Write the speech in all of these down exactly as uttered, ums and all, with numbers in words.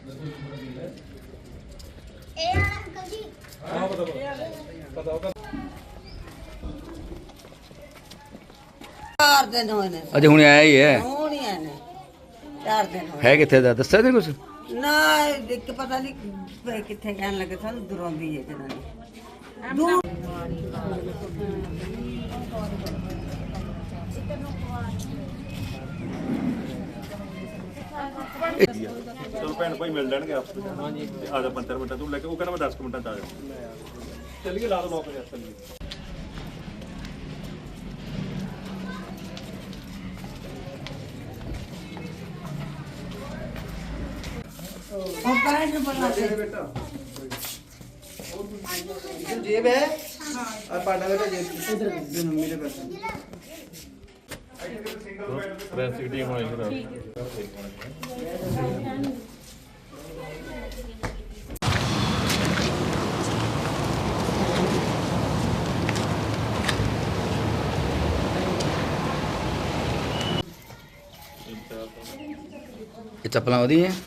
चार दिन होए ने अच्छा हुणे आया ही है ਹੁਣ ਹੀ ਆਏ ਨੇ ਚਾਰ ਦਿਨ ਹੋਏ है किथे दा दस्या ते कुछ ਨਾ ਇੱਕ ਪਤਾ ਨਹੀਂ ਕਿੱਥੇ ਕਹਿਣ ਲੱਗੇ ਸਾਨੂੰ ਦੂਰੋਂ ਦੀ ਹੈ ਜਨਾਨੀ ਦੂਰ ਚਲੋ ਭੈਣ ਭਾਈ ਮਿਲ ਲੈਣਗੇ ਆਪਸ ਵਿੱਚ ਹਾਂਜੀ ਆ ਜਾ ਪੰਜ ਮਿੰਟਾਂ ਤੂੰ ਲੈ ਕੇ ਉਹ ਕਹਿੰਦਾ ਮੈਂ ਦਸ ਮਿੰਟਾਂ ਚ ਆ ਜਾ ਚੱਲੀਏ ਲਾ ਦੋ ਲੋਕ ਜਾ ਚੱਲੀਏ ਉਹ ਪੈਰ ਨੂੰ ਬਣਾ ਦੇ बेटा इधर जेब है और पाटा बेटा जेब इधर मम्मी के पास ਰੈਸਿਪੀ ਟੀਮ ਹੋਈ ਫਿਰ ये चप्पलां वधी हैं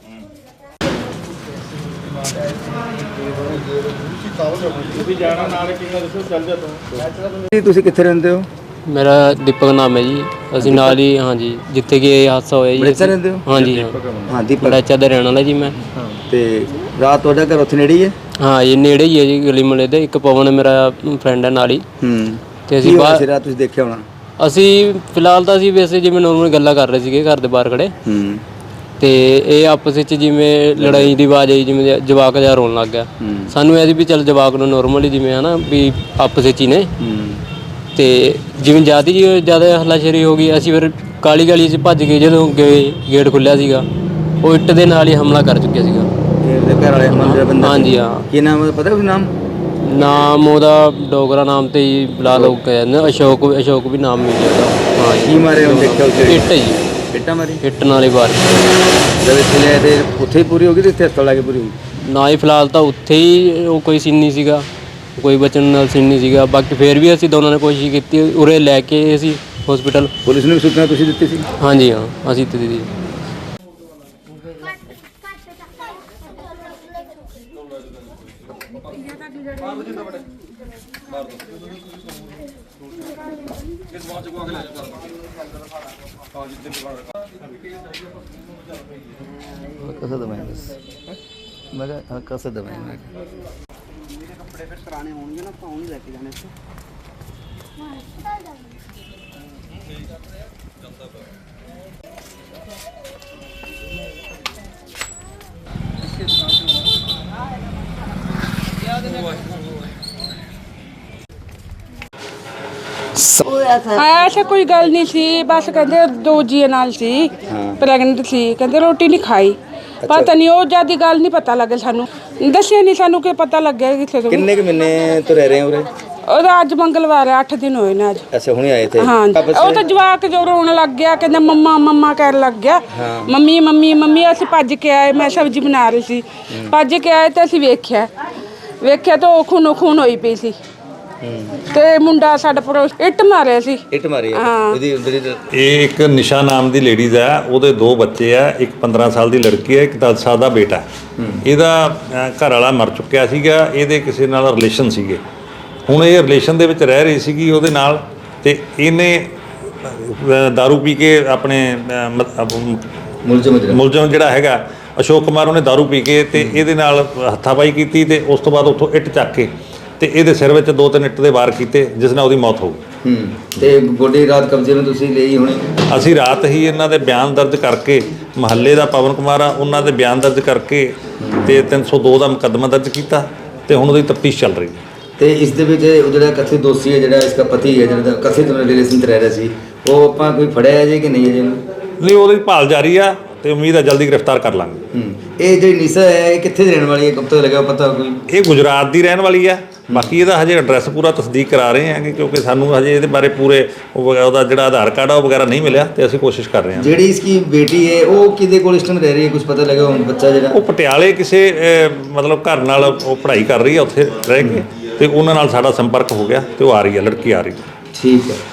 ਵੀ ਜਾਣਾ ਨਾਲ ਕਿੰਨਾ ਦੱਸੋ ਚੱਲ ਜਾ ਤੂੰ ਜੀ ਤੁਸੀਂ ਕਿੱਥੇ ਰਹਿੰਦੇ ਹੋ ਮੇਰਾ ਦੀਪਕ ਨਾਮ ਹੈ ਜੀ ਅਸੀਂ ਨਾਲ ਹੀ ਹਾਂਜੀ ਜਿੱਥੇ ਕਿ ਇਹ ਹਾਦਸਾ ਹੋਇਆ ਜੀ ਬੜੇਚਾ ਰਹਿੰਦੇ ਹੋ ਹਾਂਜੀ ਹਾਂ ਹਾਂ ਦੀਪਕ ਬੜੇਚਾ ਦਾ ਰਹਿਣ ਵਾਲਾ ਜੀ ਮੈਂ ਤੇ ਰਾਤ ਤੁਹਾਡਾ ਘਰ ਉੱਥੇ ਨੇੜੇ ਹੀ ਹੈ ਹਾਂ ਇਹ ਨੇੜੇ ਹੀ ਹੈ ਜੀ ਗਲੀ ਮੁਹੱਲੇ ਦੇ ਇੱਕ ਪਵਨ ਮੇਰਾ ਫਰੈਂਡ ਹੈ ਨਾਲ ਹੀ ਹੂੰ ਤੇ ਅਸੀਂ ਬਾਹਰ ਬਾਹਰ ਰਾਤ ਤੁਸੀਂ ਦੇਖਿਆ ਹੋਣਾ ਅਸੀਂ ਫਿਲਹਾਲ ਤਾਂ ਅਸੀਂ ਵੈਸੇ ਜਿਵੇਂ ਨੋਰਮਲ ਗੱਲਾਂ ਕਰ ਰਹੇ ਸੀਗੇ ਘਰ ਦੇ ਬਾਹਰ ਖੜੇ ਹੂੰ ਤੇ ਇਹ ਆਪਸ ਵਿੱਚ ਜਿਵੇਂ ਲੜਾਈ ਦੀ ਆਵਾਜ਼ ਆਈ ਜਿਵੇਂ ਜਵਾਕ ਜਿਹਾ ਰੋਣ ਲੱਗ ਗਿਆ ਸਾਨੂੰ ਇਹ ਸੀ ਵੀ ਚੱਲ ਜਵਾਕ ਨੂੰ ਨੋਰਮਲੀ ਜਿਵੇਂ ਹਨਾ ਵੀ ਆਪਸ ਵਿੱਚ ਹੀ ਨੇ ਤੇ ਜਿਵੇਂ ਜ਼ਿਆਦਾ ਹੀ ਜ਼ਿਆਦਾ ਹੱਲਾਸ਼ੇਰੀ ਹੋ ਗਈ ਅਸੀਂ ਫਿਰ ਕਾਲੀ ਗਲੀ 'ਚ ਭੱਜ ਕੇ ਜਦੋਂ ਗਏ ਗੇਟ ਖੁੱਲਿਆ ਸੀਗਾ ਉਹ ਇੱਟ ਦੇ ਨਾਲ ਹੀ ਹਮਲਾ ਕਰ ਚੁੱਕਿਆ ਸੀਗਾ ਇਹਦੇ ਘਰ ਵਾਲੇ ਮੰਦਰ ਬੰਦਾ ਹਾਂਜੀ ਹਾਂ ਕੀ ਨਾਮ ਹੈ ਪਤਾ ਕੋਈ ਨਾਮ ਨਾਮ ਉਹਦਾ ਡੋਗਰਾ ਨਾਮ ਤੇ ਹੀ ਬੁਲਾ ਲਓ ਕਹਿੰਦੇ ਅਸ਼ੋਕ ਅਸ਼ੋਕ ਵੀ ਨਾਮ ਮਿਲ ਜਾਂਦਾ ਹਾਂ ਕੀ ਮਾਰੇ ਉਹ ਦੇਖਿਆ ਉੱਥੇ ਇੱਟ ਜੀ ਇੱਟਾਂ ਮਾਰੀ ਇੱਟ ਨਾਲ ਹੀ ਬਾਰ ਜਦ ਇੱਥੇ ਲਿਆਏ ਤੇ ਉੱਥੇ ਹੀ ਪੂਰੀ ਹੋ ਗਈ ਤੇ ਇੱਥੇ ਹਸਪਤਾਲ ਲਾ ਕੇ ਪੂਰੀ ਹੋ ਗਈ ਨਾ ਹੀ ਫਿਲਹਾਲ ਤਾਂ ਉੱਥੇ ਹੀ ਉਹ ਕੋਈ ਸੀਨ ਨਹੀਂ ਸੀਗਾ ਕੋਈ ਬਚਣ ਨਾਲ ਸੀਨ ਨਹੀਂ ਸੀਗਾ ਬਾਕੀ ਫਿਰ ਵੀ ਅਸੀਂ ਦੋਨਾਂ ਨੇ ਕੋਸ਼ਿਸ਼ ਕੀਤੀ ਉਰੇ ਲੈ ਕੇ ਅਸੀਂ ਹਸਪੀਟਲ ਪੁਲਿਸ ਨੂੰ ਵੀ ਸੂਚਨਾ ਤੁਸੀਂ ਦਿੱਤੀ ਸੀ ਹਾਂਜੀ ਹਾਂ ਅਸੀਂ ਦਿੱਤੀ ਸੀ कैसा दबाएं बस मैं कहा कैसे दबाएं मैं मेरे कपड़े फिर पुराने होंगे ना पाँव नहीं लेके जाने से ऐसा कोई गल नहीं सी बस कहते दो जी नाल सी प्रेगनेंट सी कहते रोटी नहीं खाई पता नहीं वो ज्यादा गल नहीं पता लगे सानू दसिया नहीं सानू कि पता लगे किसे तो किन्ने के महीने तो रह रहे हैं उरे और आज मंगलवार है अठ दिन होए ने आज अच्छा हुणे आए थे हाँ वो तो जवाक जो रोन लग गया कहते मम्मा मम्मा कह लग गया मम्मी मम्मी मम्मी असीं भज के आए मैं सब्जी बना रही सी भज के आए तो असीं वेख्या वेख्या तो खूनो खून होई पई सी ਤੇ ਮੁੰਡਾ ਸਾਡਾ ਪੜੋਸ ਇੱਟ ਮਾਰਿਆ ਸੀ ਇੱਟ ਮਾਰੀ ਹੈ ਇਹਦੀ ਜਿਹੜੀ ਇਹ ਇੱਕ ਨਿਸ਼ਾ ਨਾਮ ਦੀ ਲੇਡੀਜ਼ ਹੈ ਉਹਦੇ ਦੋ ਬੱਚੇ ਆ ਇੱਕ ਪੰਦਰਾਂ ਸਾਲ ਦੀ ਲੜਕੀ ਹੈ ਇੱਕ ਦਸ ਸਾਲ ਦਾ ਬੇਟਾ ਇਹਦਾ ਘਰ ਵਾਲਾ ਮਰ ਚੁੱਕਿਆ ਸੀਗਾ ਇਹਦੇ ਕਿਸੇ ਨਾਲ ਰਿਲੇਸ਼ਨ ਸੀਗੇ ਹੁਣ ਇਹ ਰਿਲੇਸ਼ਨ ਦੇ ਵਿੱਚ ਰਹਿ ਰਹੀ ਸੀਗੀ ਉਹਦੇ ਨਾਲ ਤੇ ਇਹਨੇ दारू ਪੀ ਕੇ ਆਪਣੇ ਮੁਲਜ਼ਮ ਮੁਲਜ਼ਮ ਜਿਹੜਾ ਹੈਗਾ ਅਸ਼ੋਕ ਕੁਮਾਰ ਉਹਨੇ दारू ਪੀ ਕੇ ਤੇ ਇਹਦੇ ਨਾਲ ਹੱਥਾਪਾਈ ਕੀਤੀ ਤੇ ਉਸ ਤੋਂ ਬਾਅਦ ਉੱਥੋਂ ਇੱਟ ਚੱਕ ਕੇ ਤੇ ਇਹਦੇ ਸਿਰ ਵਿੱਚ ਦੋ ਤਿੰਨ ਇੱਟ ਦੇ ਵਾਰ ਕੀਤੇ ਜਿਸ ਨਾਲ ਉਹਦੀ ਮੌਤ ਹੋ ਗਈ ਹੂੰ ਤੇ ਗੋਡੀ ਰਾਤ ਕਬਜ਼ੇ ਨੂੰ ਤੁਸੀਂ ਲਈ ਹੋਣੀ ਅਸੀਂ ਰਾਤ ਹੀ ਇਹਨਾਂ ਦੇ ਬਿਆਨ ਦਰਜ ਕਰਕੇ ਮਹੱਲੇ ਦਾ ਪਵਨ ਕੁਮਾਰ ਆ ਉਹਨਾਂ ਦੇ ਬਿਆਨ ਦਰਜ ਕਰਕੇ ਤੇ ਤਿੰਨ ਸੌ ਦੋ ਦਾ ਮੁਕੱਦਮਾ ਦਰਜ ਕੀਤਾ ਤੇ ਹੁਣ ਉਹਦੀ ਤਫਤੀਸ਼ ਚੱਲ ਰਹੀ ਹੈ ਤੇ ਇਸ ਦੇ ਵਿੱਚ ਜਿਹੜਾ ਕਥਿਤ ਦੋਸ਼ੀ ਹੈ ਜਿਹੜਾ ਇਸਦਾ ਪਤੀ ਹੈ ਜਿਹੜਾ ਕਥਿਤ ਰਿਲੇਸ਼ਨ ਤੇ ਰਹਿ ਰਿਹਾ ਸੀ ਉਹ ਆਪਾਂ ਕੋਈ ਫੜਿਆ ਹੈ ਜੀ ਕਿ ਨਹੀਂ ਹੈ ਜੀ ਨਹੀਂ ਉਹਦੀ ਭਾਲ ਜਾਰੀ ਆ ਤੇ ਉਮੀਦ ਹੈ ਜਲਦੀ ਗ੍ਰਿਫਤਾਰ ਕਰ ਲਾਂਗੇ ਹੂੰ ਇਹ ਜਿਹੜੀ ਨਿਸ਼ਾ ਹੈ ਇਹ ਕਿੱਥੇ ਦੀ ਰਹਿਣ ਵਾਲੀ ਹੈ ਕਬ ਤੱਕ ਲੱਗਾ ਪਤਾ ਕੋਈ ਇਹ ਗੁਜਰਾਤ ਦੀ ਰਹਿਣ ਵਾਲੀ ਆ ਬਾਕੀ ਇਹਦਾ ਹਜੇ ਐਡਰੈਸ ਪੂਰਾ ਤਸਦੀਕ ਕਰਾ ਰਹੇ ਹਾਂ ਕਿਉਂਕਿ ਸਾਨੂੰ ਹਜੇ ਇਹਦੇ ਬਾਰੇ ਪੂਰੇ ਉਹਦਾ ਜਿਹੜਾ ਆਧਾਰ ਕਾਰਡ ਆ ਉਹ ਵਗੈਰਾ ਨਹੀਂ ਮਿਲਿਆ ਤੇ ਅਸੀਂ ਕੋਸ਼ਿਸ਼ ਕਰ ਰਹੇ ਹਾਂ ਜਿਹੜੀ ਇਸकी ਬੇਟੀ ਹੈ ਉਹ ਕਿਹਦੇ ਕੋਲ ਇਸ ਟਾਈਮ ਰਹਿ ਰਹੀ ਹੈ ਕੁਝ ਪਤਾ ਲੱਗਾ ਹੁਣ ਬੱਚਾ ਜਿਹੜਾ ਉਹ ਪਟਿਆਲੇ ਕਿਸੇ ਮਤਲਬ ਘਰ ਨਾਲ ਉਹ ਪੜ੍ਹਾਈ ਕਰ ਰਹੀ ਹੈ ਉੱਥੇ ਰਹਿ ਕੇ ਤੇ ਉਹਨਾਂ ਨਾਲ ਸਾਡਾ ਸੰਪਰਕ ਹੋ ਗਿਆ ਤੇ ਉਹ ਆ ਰਹੀ ਹੈ ਲੜਕੀ ਆ ਰਹੀ ਹੈ ਠੀਕ ਹੈ